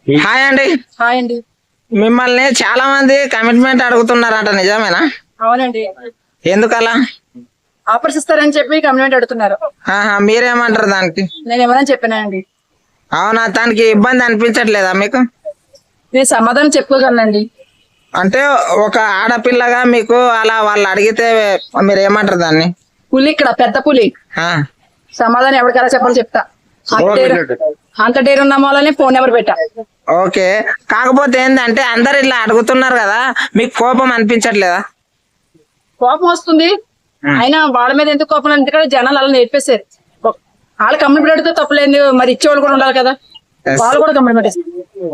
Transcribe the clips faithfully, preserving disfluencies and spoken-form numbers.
Hi అండి. Hi అండి. మిమ్మల్ని చాలా మంది కమిట్మెంట్ అడుగుతున్నారట, నిజమేనా? అవునండి. ఎందుకలా? ఆఫర్స్ ఇస్తారని చెప్పి కమిట్మెంట్ అడుగుతున్నారు. ఆహా, మీరేమంటారు దానికి? నేను ఎవరని చెప్పానండి. అవునా, దానికి ఇబ్బంది అనిపించట్లేదా మీకు? నేను సమాధానం చెప్పుకోగలనండి. అంటే ఒక ఆడపిల్లగా మీకు అలా వాళ్ళు అడిగితే మీరు ఏమంటారు దాన్ని? పులి ఇక్కడ పెద్ద పులి. ఆ, సమాధానం ఎవరికైనా చెప్పాలి చెప్తా. అంత డేర్ అంత డేర్ ఉన్న వాళ్ళని ఫోన్ నెంబర్ పెట్టా. ఓకే. కాకపోతే ఏంటంటే అందరు ఇలా అడుగుతున్నారు కదా, మీకు కోపం అనిపించట్లేదా? కోపం వస్తుంది. అయినా వాళ్ళ మీద ఎందుకు కోపం? ఎందుకంటే జనాలు అలా నేర్పేశారు. వాళ్ళు కమిట్మెంట్ అడిగితే తప్పలేదు, మరి ఇచ్చేవాళ్ళు కూడా ఉండాలి కదా, వాళ్ళు కూడా కమిట్మెంట్ ఇస్తారు.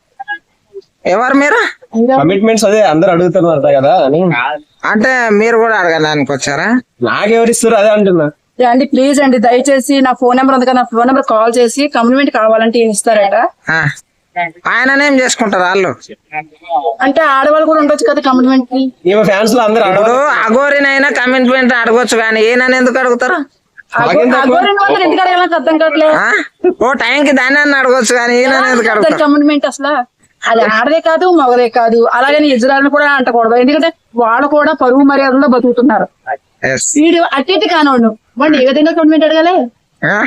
ఎవరు మీరు? కమిట్మెంట్స్ అదే అందరు అడుగుతున్నారు కదా అని. అంటే మీరు కూడా అడగడానికి వచ్చారా? నాకెవరు ఇస్తారు అదే అంటున్నా. అండి ప్లీజ్ అండి, దయచేసి నా ఫోన్ నెంబర్ ఉంది కదా, నా ఫోన్ నెంబర్ కాల్ చేసి కమిట్మెంట్ కావాలంటే ఈయన ఇస్తారట. ఆ, ఆయననేం చేసుకుంటారు వాళ్ళు? అంటే ఆడవాళ్ళు కూడా ఉండొచ్చు కదా కమిట్మెంట్ కి. ఈమె ఫ్యాన్స్ లో అందరు ఇప్పుడు అఘోరినైనా కమిట్మెంట్ అడగొచ్చు, కానీ ఈయనని ఎందుకు అడుగుతారు? ఎందుకు అడగాలి అర్థం కావట్లేదు. ఆ? ఓ టైంకి దాన్ని అన్న అడగొచ్చు, కానీ ఈయన ఎందుకు అడుగుతారు? కమిట్మెంట్ అసలు అది ఆడదే కాదు మగదే కాదు. అలాగని ఇజ్రాయల్ కూడా అంటకూడదు, ఎందుకంటే వాళ్ళు కూడా పరువు మర్యాదలో బతుకుతున్నారు. వీడు అట్టి ఇటు కానోడు వాడిని ఏ విధంగా కమిట్మెంట్ అడగాలి? ఆ?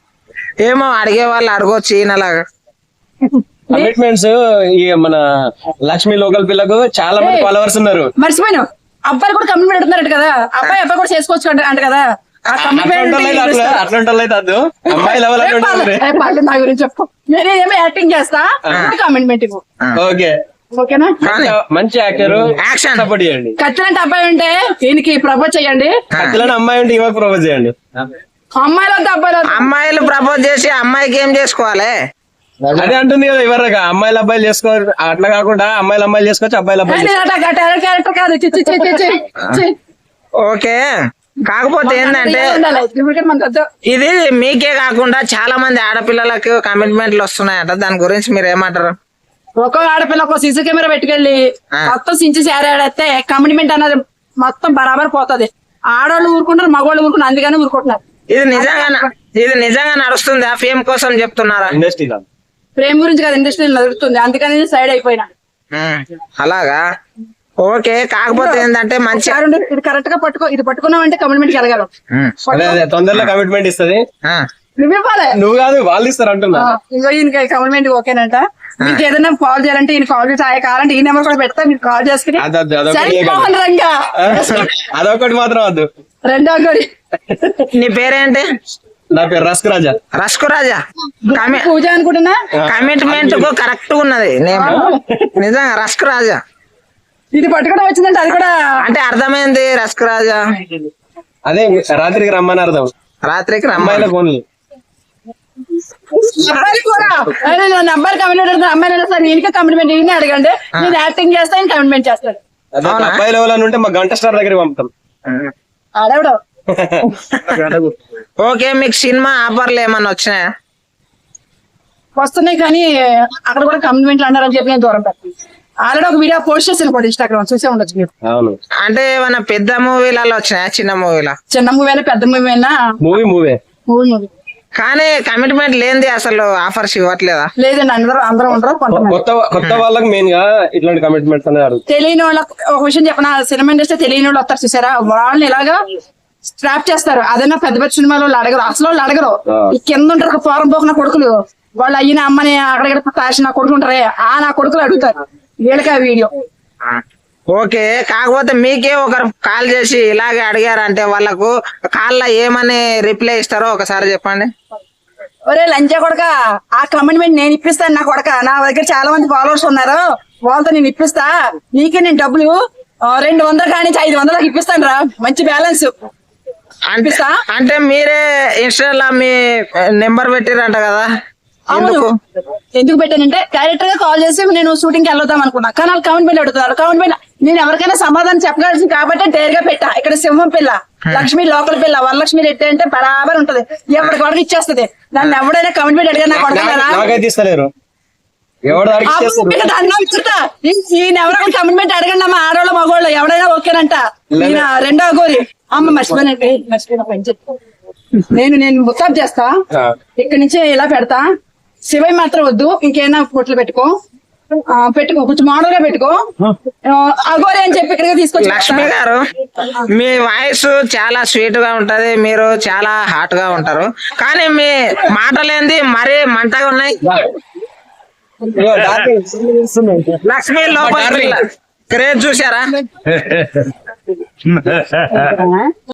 ఏమో అడిగే వాళ్ళు అడగొచ్చు ఈయనలాగా. కమిట్మెంట్స్ ఈ మన లక్ష్మి లోకల్ పిల్లకు చాలా మంది ఫాలోవర్స్ ఉన్నారు. మర్చిపోయాను, అబ్బాయిలు కూడా కమిట్మెంట్ అడుగుతున్నారు కదా, అబ్బాయి అబ్బాయి కూడా చేసుకోవచ్చు అంట అంట కదా. ఆ కమిట్మెంట్ అట్లాంటి అమ్మాయి లెవెల్ నా గురించి చెప్పు. నేనేమో యాక్టింగ్ చేస్తా, కమిట్మెంట్ ఇవ్వు. ఓకే ఓకేనా? మంచి యాక్టర్, యాక్షన్ సపోర్ట్ చేయండి. ఖచ్చితంగా అబ్బాయి ఉంటే దీనికి ప్రపోజ్ చేయండి. ఖచ్చితంగా అమ్మాయి ఉంటే ఇవాళ ప్రపోజ్ చేయండి. అమ్మాయిలు వద్ద అబ్బాయిలు వద్ద. అమ్మాయిలు ప్రపోజ్ చేసి అమ్మాయికి ఏం చేసుకోవాలి? అదే అంటుంది కదా ఇవరగా, అమ్మాయిలు అబ్బాయిలు చేసుకో, అట్లా కాకుండా అమ్మాయిలు అమ్మాయిలు చేసుకోవచ్చు, అబ్బాయిలు అబ్బాయిలు. నేను అట్లా క్యారెక్టర్ క్యారెక్టర్ కాదు. చి, చి, చి, చి, చి, చి. ఓకే. కాకపోతే ఏంటంటే ఉండాలి. ఎందుకంటే మనకు వద్దు. ఇది మీకే కాకుండా చాలా మంది ఆడపిల్లలకు కమిట్మెంట్లు వస్తున్నాయట, దాని గురించి మీరు ఏమంటారు? ఒక్కో ఆడపిల్ల ఒక సీసీ కెమెరా పెట్టుకెళ్ళి మొత్తం సించి సేరేస్తే కమిట్మెంట్ అన్నది మొత్తం బరాబర్ పోతుంది. ఆడవాళ్ళు ఊరుకుంటారు, మగవాళ్ళు ఊరుకుంటారు, అందుకని ఊరుకుంటున్నారు. ఇది నిజంగా ఇది నిజంగా నడుస్తుంది? ఆ ఫేమ్ కోసం చెప్తున్నారా? ఇండస్ట్రీ ప్రేమ గురించి కదా ఇండస్ట్రీ నడుస్తుంది, అందుకని సైడ్ అయిపోయినా. ఉమ్, అలాగా. ఓకే. కాకపోతే ఏంటంటే మంచి ఇది కరెక్ట్ గా పట్టుకో, ఇది పట్టుకున్నావంటే కమిట్మెంట్ జరగదు. ఉమ్, అదే అదే తొందరలో కమిట్మెంట్ ఇస్తుంది. ఆ, నువ్వు ఇవ్వాలి. నువ్వు కాదు వాళ్ళు ఇస్తారు అంటున్నా. ఇంకో ఈయనకి కమిట్మెంట్ ఓకేనంట. మీకు ఏదైనా కాల్ చేయాలంటే ఈయన కాల్ చేసి ఆయన కావాలంటే ఈ నెంబర్ కూడా పెడతా, మీరు కాల్ చేసుకుని అదొద్దు, అదొకటి సరిపోవాలి రంగా. అదొకటి మాత్రం వద్దు. రెండో కోడి. నీ పేరేంటి? నా పేరు రస్క్ రాజా. రస్కు రాజా. కమి పూజ అనుకుంటున్నా. కమిట్మెంట్ కు కరెక్ట్ ఉన్నది నేమ్, నిజంగా రస్కు రాజా. ఇది పట్టుకోవడం వచ్చిందంటే అది కూడా అంటే అర్థమైంది రస్కు రాజా. అదే రాత్రికి రమ్మని అర్థం, రాత్రికి రమ్మాయిల అమ్మాయిలకు ఓన్లీ. అబ్బాయిలు కూడా అబ్బాయిలు కమిట్మెంట్ అడుగుతారు, అమ్మాయిలు సార్ ఈయనకే కమిట్మెంట్ ఈయన అడగండి, నేను యాక్టింగ్ చేస్తా ఈయన కమిట్మెంట్ చేస్తాడు. అదే అబ్బాయి లెవెల్ అని ఉంటే మా గంట స్టార్ దగ్గర పంపుతాం. ఆడవిడ ఓకే. మీకు సినిమా ఆఫర్లు ఏమన్నా వచ్చినాయా? వస్తున్నాయి కానీ అక్కడ కూడా కమిట్మెంట్లు అన్నారని చెప్పి నేను దూరం పెట్టాను. ఆల్రెడీ ఒక వీడియో పోస్ట్ చేసాను కూడా ఇన్స్టాగ్రామ్, చూసే ఉండొచ్చు మీరు. అవును. అంటే ఏమన్నా పెద్ద మూవీలలో వచ్చినాయా, చిన్న మూవీలా? చిన్న మూవీ అయినా పెద్ద మూవీ అయినా మూవీ మూవీ మూవీ మూవీ కానీ కమిట్మెంట్ లేనిది అసలు ఆఫర్స్ ఇవ్వట్లేదా? లేదండి, అందరూ అందరూ ఉండరు. కొంతమంది కొత్త కొత్త వాళ్ళకి మెయిన్ గా ఇట్లాంటి కమిట్మెంట్స్ అనేది అడుగుతారు. తెలియని వాళ్ళకి ఒక విషయం చెప్పిన, సినిమా ఇండస్ట్రీ తెలియని వాళ్ళు వస్తారు చూసారా, వాళ్ళని ఇలాగా స్ట్రాప్ చేస్తారు. అదైనా పెద్ద పెద్ద సినిమాలో వాళ్ళు అడగరు, అసలు వాళ్ళు అడగరు. ఈ కింద ఉంటారు ఫారం పోకున్న కొడుకులు, వాళ్ళు అయ్యిన అమ్మని అక్కడ తాసి నా కొడుకు ఉంటారే, ఆ నా కొడుకులు అడుగుతారు వీళ్ళకి ఆ వీడియో. ఓకే. కాకపోతే మీకే ఒకరు కాల్ చేసి ఇలాగే అడిగారంటే వాళ్ళకు కాల్లో ఏమని రిప్లై ఇస్తారో ఒకసారి చెప్పండి. ఒరే లంచా కొడక, ఆ కమిట్మెంట్ నేను ఇప్పిస్తాను నా కొడక, నా దగ్గర చాలా మంది ఫాలోవర్స్ ఉన్నారు, వాళ్ళతో నేను ఇప్పిస్తా, నీకే నేను డబ్బులు రెండు వందలు కానీ ఐదు వందలకు ఇప్పిస్తాను రా, మంచి బ్యాలెన్స్ అనిపిస్తా. అంటే మీరే ఇన్స్టాలో మీ నెంబర్ పెట్టిరంట కదా, ఎందుకు ఎందుకు పెట్టానంటే డైరెక్టర్ గా కాల్ చేసి నేను షూటింగ్ కి వెళ్దాం అనుకున్నా, కానీ వాళ్ళు కమిట్మెంట్ అడుగుతున్నారు. కమిట్మెంట్ నేను ఎవరికైనా సమాధానం చెప్పగలిసింది కాబట్టి డైర్ గా పెట్టా. ఇక్కడ సింహం పిల్ల, లక్ష్మి లోకల్ పిల్ల, వరలక్ష్మి రెడ్డి అంటే బరాబర్ ఉంటది, ఎవరికి కొడక ఇచ్చేస్తుంది. నన్ను ఎవడైనా కమిట్మెంట్ అడిగా నా కొడకలేరు, ఈయన ఎవరైనా కమిట్మెంట్ అడగండి అమ్మ, ఆడవాళ్ళు మగవాళ్ళు ఎవడైనా ఓకేనంట. ఈయన రెండో గోరి అమ్మ మర్చిపోయినట్టు మర్చిపోయిన పని చెప్పు. నేను నేను ముస్తాబ్ చేస్తా, ఇక్కడి నుంచి ఇలా పెడతా, శివయ్య మాత్రం వద్దు, ఇంకేనా ఫోటోలు పెట్టుకో, ఆ, పెట్టుకో కొంచెం మోడల్ గా పెట్టుకో. ఆ, అగోరి అని చెప్పి ఇక్కడికి తీసుకొచ్చి లక్ష్మి గారు, మీ వాయిస్ చాలా స్వీట్ గా ఉంటది, మీరు చాలా హాట్ గా ఉంటారు, కానీ మీ మాటలేంది మరీ మంటగా ఉన్నాయి. ఇదిగో డార్లింగ్. లక్ష్మి లోపల క్రేజ్ చూసారా?